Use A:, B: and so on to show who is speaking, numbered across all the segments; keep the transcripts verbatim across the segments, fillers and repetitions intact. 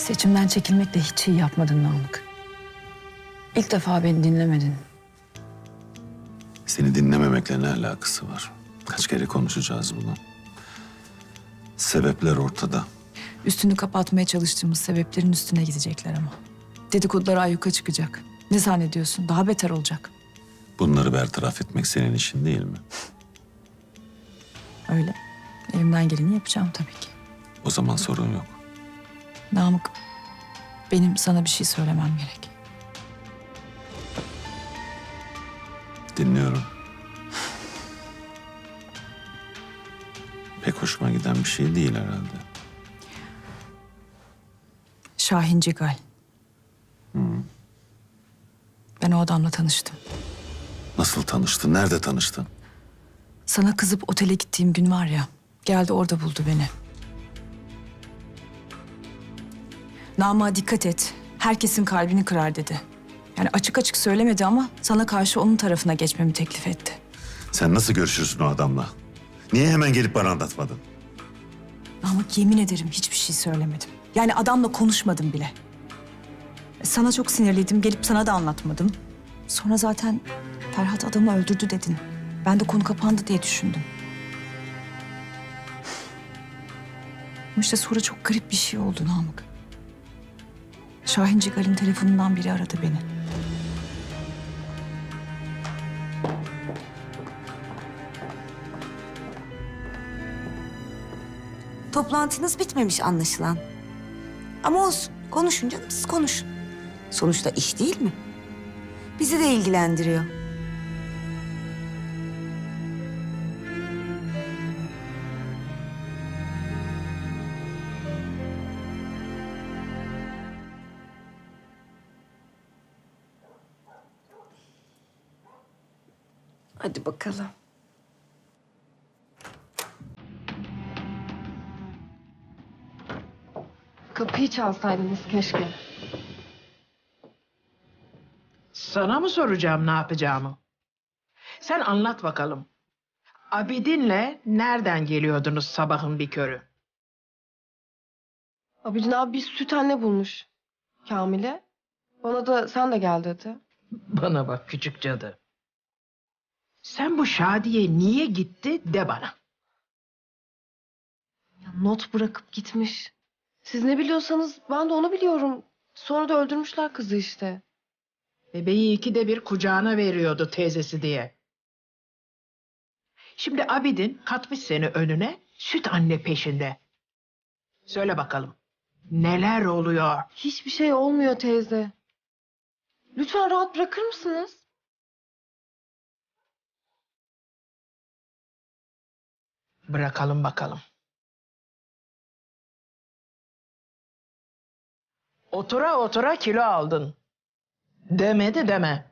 A: Seçimden çekilmekle hiç iyi yapmadın Namık. İlk defa beni dinlemedin.
B: Seni dinlememekle ne alakası var? Kaç kere konuşacağız bunu? Sebepler ortada.
A: Üstünü kapatmaya çalıştığımız sebeplerin üstüne gidecekler ama. Dedikodular ayyuka çıkacak. Ne zannediyorsun? Daha beter olacak.
B: Bunları bertaraf etmek senin işin değil mi?
A: Öyle. Elimden geleni yapacağım tabii ki.
B: O zaman sorun yok.
A: Namık, benim sana bir şey söylemem gerek.
B: Dinliyorum. Pek hoşuma giden bir şey değil herhalde.
A: Şahin Cigal. Ben o adamla tanıştım.
B: Nasıl tanıştın? Nerede tanıştın?
A: Sana kızıp otele gittiğim gün var ya, geldi orada buldu beni. Namık'a dikkat et, herkesin kalbini kırar dedi. Yani açık açık söylemedi ama sana karşı onun tarafına geçmemi teklif etti.
B: Sen nasıl görüşürsün o adamla? Niye hemen gelip bana anlatmadın?
A: Namık, yemin ederim hiçbir şey söylemedim. Yani adamla konuşmadım bile. Sana çok sinirliydim, gelip sana da anlatmadım. Sonra zaten Ferhat adamı öldürdü dedin. Ben de konu kapandı diye düşündüm. Ama işte sonra çok garip bir şey oldu Namık. Şahin Cigal'in telefonundan biri aradı beni.
C: Toplantınız bitmemiş anlaşılan. Ama olsun, konuşun canım, siz konuşun. Sonuçta iş değil mi? Bizi de ilgilendiriyor. Hadi bakalım.
D: Kapıyı çalsaydınız keşke.
E: Sana mı soracağım ne yapacağımı? Sen anlat bakalım. Abidin'le nereden geliyordunuz sabahın bir körü?
D: Abidin abi bir süt anne bulmuş Kamil'e. Bana da sen de gel dedi.
E: Bana bak küçük cadı. Sen bu Şadiye niye gitti de bana.
D: Ya not bırakıp gitmiş. Siz ne biliyorsanız ben de onu biliyorum. Sonra da öldürmüşler kızı işte.
E: Bebeği ikide bir kucağına veriyordu teyzesi diye. Şimdi Abidin katmış seni önüne, süt anne peşinde. Söyle bakalım, neler oluyor?
D: Hiçbir şey olmuyor teyze. Lütfen rahat bırakır mısınız?
E: Bırakalım bakalım. Otura otura kilo aldın. Demedi deme.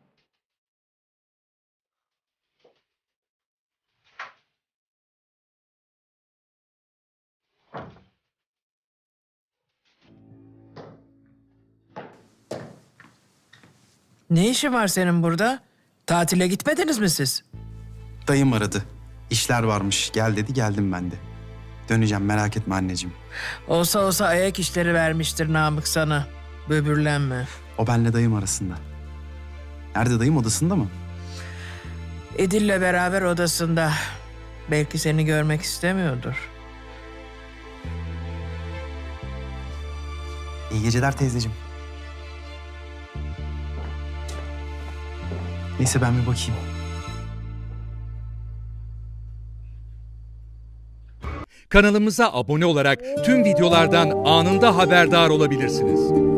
E: Ne işin var senin burada? Tatile gitmediniz mi siz?
F: Dayım aradı. İşler varmış. Gel dedi, geldim ben de. Döneceğim, merak etme anneciğim.
E: Olsa olsa ayak işleri vermiştir Namık sana. Böbürlenme.
F: O benle dayım arasında. Nerede dayım, odasında mı?
E: Edil'le beraber odasında. Belki seni görmek istemiyordur.
F: İyi geceler teyzeciğim. Neyse ben bir bakayım.
G: Kanalımıza abone olarak tüm videolardan anında haberdar olabilirsiniz.